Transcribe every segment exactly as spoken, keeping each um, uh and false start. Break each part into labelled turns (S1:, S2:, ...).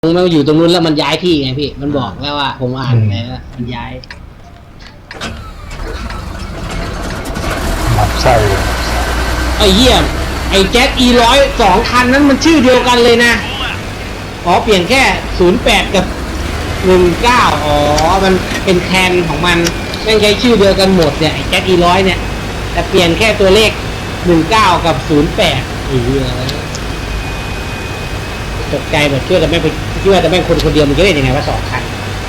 S1: มันอยู่ตรงนู้นแล้วมันย้ายที่ไงพี่มันบอกแล้วว่าผมอ่านไปแล้วมันย้าย
S2: หมักไส้
S1: ไอ้เหี้ยไอ้แจ็คอีร้อยสองคันนั้นมันชื่อเดียวกันเลยนะอ๋อเปลี่ยนแค่ศูนย์แปดกับหนึ่งเก้าอ๋อมันเป็นแทนของมันไม่ใช้ชื่อเดียวกันหมดเนี่ยไอ้แจ็คอีร้อยเนี่ยแต่เปลี่ยนแค่ตัวเลขหนึ่งเก้ากับศูนย์แปดอีเหี้ยตกใจแบบช่วยแต่ไม่ไปคิดว่าแต่แม่งคนคนเดียวมันจะได้ยังไงว่าสองคัน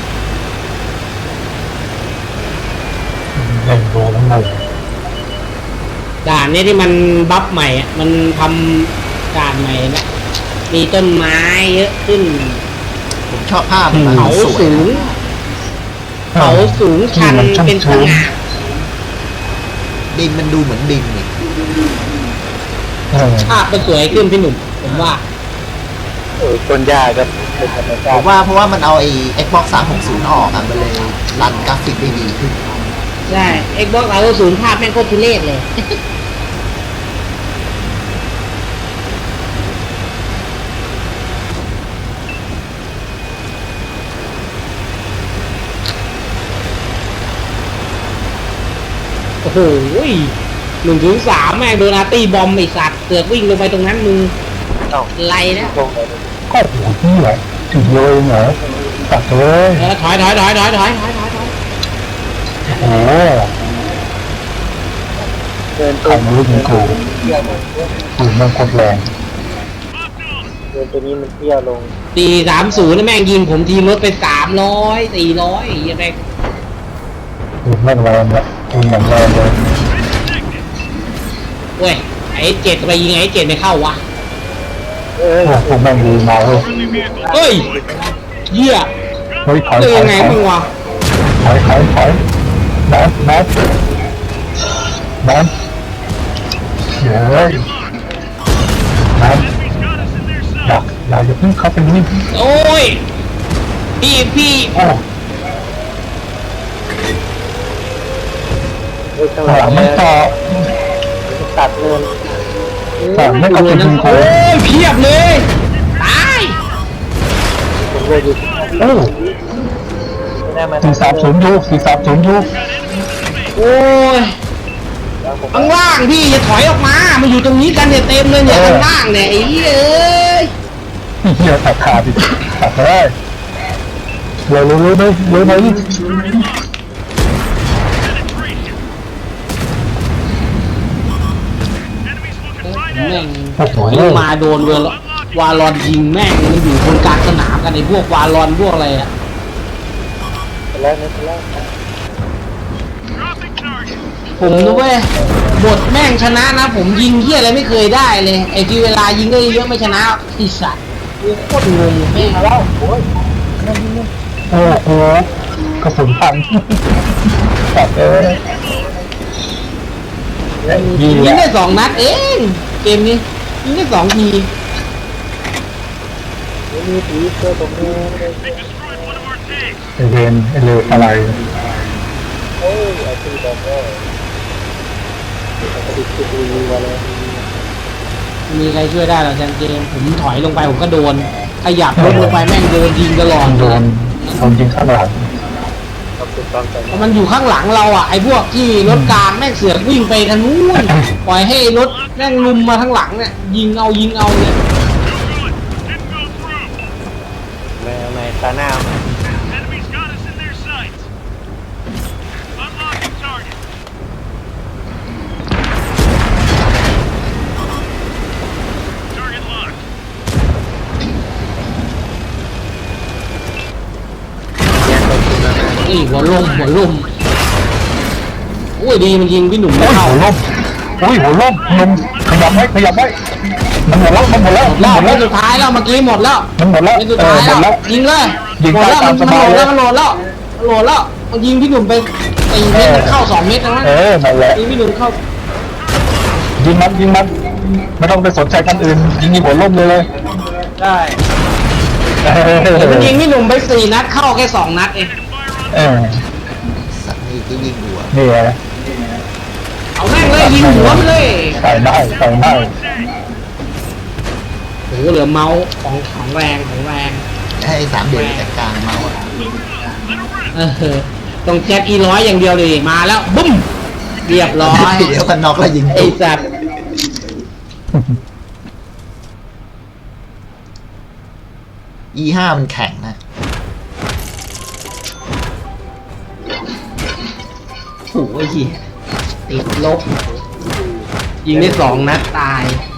S2: เล่นโดนแล้วงง
S1: ด่านนี้ที่มันบัฟใหม่อ่ะมันทำด่านใหม่นะมีต้นไม้เยอะขึ้น
S3: ผมชอบภาพมัน
S1: เขาสูงเขาสูงชันเป็นสง่า
S3: ดินมันดูเหมือนดินนี่
S1: ภาพมันสวยขึ้นพี่หนุ่มผมว่า
S2: ต้นหญ้าก็เป็นธรรมชา
S3: ผ
S2: ติ
S3: มว่าเพราะว่ามันเอาไอ้ Xbox สามหกศูนย์ออกอ่ะมันเลยรันกราฟิกได้ดีขึ้น
S1: ใช่ Xbox สามหกศูนย์ภาพแม่งโคตรทุเรศเลยโอ้โหหนึ่งถึงสามแม่งโดนอาร์ตี้บอมไอสัตว์เสือกวิ่งลงไปตรงนั้นมึงไรนะ
S2: ก็หัวที่แหละถึงเลยเหรอตัดเลย
S1: ถอยถอยถอยถอยถอยถอยถอยถอย
S2: โอ้เดินตัวมันรู้ถึงกูกูมันกดแรงเดินตัวนี้มันเที่ยวลง
S1: ตีสามศูนย์แม่งยิงผมทีรถไปสามร้อยสี่ร้อยยังไง
S2: กูแม่งแรงเลยกูแม่งแรงเลย
S1: เว้ยไอ้เจ็ดไปยิงไอ้เจ็ดไม่เข้าวะ
S2: เออกูแม่งดีมาเฮ้ย
S1: เฮ้ยเหี้ย
S2: เฮ้ยถอยถอย
S1: ยังไงมึงวะ
S2: ถอยถอยถอยนัดนัดนัดเฮ้ยนัดอยากอยากจะพึ่งเข้าไปนี่
S1: โอ้ยพี่พี่
S2: โอ้หลังไม่ต่อตัดเลยแต่ไม่เอาจริงๆโอ้
S1: ยเพียบเลยตาย
S2: โอ้สี่สามศูนย์ยูสี่สามศูนย์ยู
S1: โอ้ยข้างล่างพี่อย่าถอยออกมามาอยู่ตรงนี้กันเนี่ยเต็มเลยเนี่ยข้างล่างเนี่ยไอ้เอ้ย
S2: เหี้ยตัดขาดดิตัดได้เร็วเร็วเร็วเลยเร็วเลย
S1: แม่งถอยลงมาโดนเวลวาลอนยิงแม่งมันอยู่บนกลางสนามกันไอ้พวกวาลอนพวกอะไรอะผมนะเว้ยบทแม่งชนะนะผมยิงเหี้ยอะไรไม่เคยได้เลยไอ้ที่เวลายิงได้เยอะไม่ชนะอีสัตว์กูโคตรงงแม่งแล้วโอ้ย
S2: โอ้โหกระสุนพันตัดเลย
S1: ยิงได้สองนัดเองเกมนี้ยิงได้สองที
S2: มีผีเสื้อตรงนี้ไอเวนไอเลวอะไรโอ้ยไอตีบอกว่าติดติดวีมาแล้ว
S1: มีใครช่วยได้หรอจังเกมผมถอยลงไปผมก็โดนขยับรถลงไปแม่งโดนยิงตลอด
S2: โดนโดนยิงข้างหลัง
S1: มันอยู่ข้างหลังเราอ่ะไอ้พวกที่รถกลางแม่งเสือกวิ่งไปทางนู้นปล่อยให้รถแม่งลุมมาข้างหลังเนี่ยยิงเอายิงเอาเนี่ย
S2: แม่แม่ตาหน้า
S1: นี่หัวลมหัวลมโอ้ยดีมันยิงพี่หนุ่มไม่เข้า
S2: หัวลมโอ้ยหัวลมลมขยับไว้ขยับไว้มันหมดแล้วมันหมดแล้ว
S1: รอบไม่สุดท้ายแล้วเมื่อกี้หมดแล้ว
S2: มันหมดแล้ว
S1: ไม่สุดท้ายแล้วยิงเลยหมดแล้วมันโหลดแล้วมันโหลดแล้วโหลดแล้วมันยิงพี่หนุ่มไปตีเม็ดเข้าสองเม็ดนะ
S2: เออนั่นแหละ
S1: ยิงพี่หนุ่มเข้า
S2: ยิงมันยิงมันไม่ต้องไปสนใจกันอื่นยิงหัวลมเลยเลย
S1: ได้มันยิงพี่หนุ่มไปสี่นัดเข้าแค่สองนัดเอง
S2: เออ
S3: สัตว์นี่ก็ยิงหัว
S2: นี่ไง
S1: เอาแม่งเลยยิงหัวมันเลย
S2: ใส่ได้ใส่ได้
S1: โอ้เหลือเมาส์ของของแรงของแรง
S3: ให้สามเดือนจัดการเมาส์อะ
S1: เออตรงแจ็คอีร้อยอย่างเดียวเลยมาแล้วบุ้มเรียบร้อย
S3: เดี๋ยวกันน็อกแล้วยิง
S1: ไอ้
S3: ตุ๊บ
S1: สัตว์
S3: อี ห้ามันแข็งนะ
S1: โอ้ยติดลบ ยิงได้สองนัดตาย